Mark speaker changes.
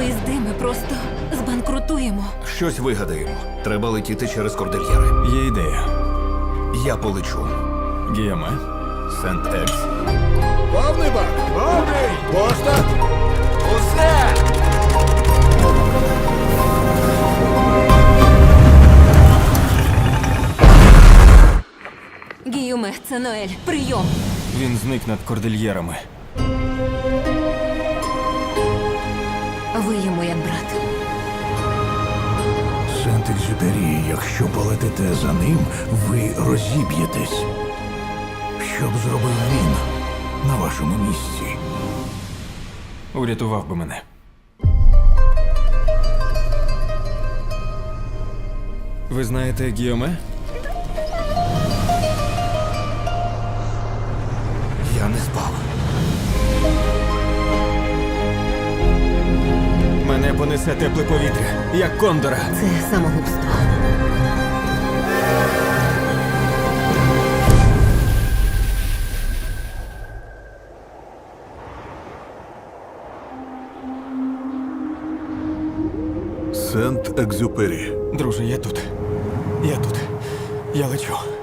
Speaker 1: поїзди, ми просто збанкрутуємо.
Speaker 2: Щось вигадаємо. Треба летіти через кордильєри.
Speaker 3: Є ідея.
Speaker 2: Я полечу.
Speaker 3: Гіаме.
Speaker 2: Сент-Екс.
Speaker 4: Повний бак! Повний! Пошта!
Speaker 2: Усе!
Speaker 1: Гіюме, це Ноель. Прийом.
Speaker 3: Він зник над кордильєрами.
Speaker 1: Ви йому як брат.
Speaker 4: Сент-Екзюпері, якщо полетите за ним, ви розіб'єтесь. Що б зробив він на вашому місці?
Speaker 3: Урятував би мене. Ви знаєте Гіоме?
Speaker 2: Я не спав.
Speaker 3: Мене понесе тепле повітря, як кондора.
Speaker 1: Це самогубство.
Speaker 4: Сент-Екзюпері.
Speaker 3: Друже, я тут. Я тут. Я лечу.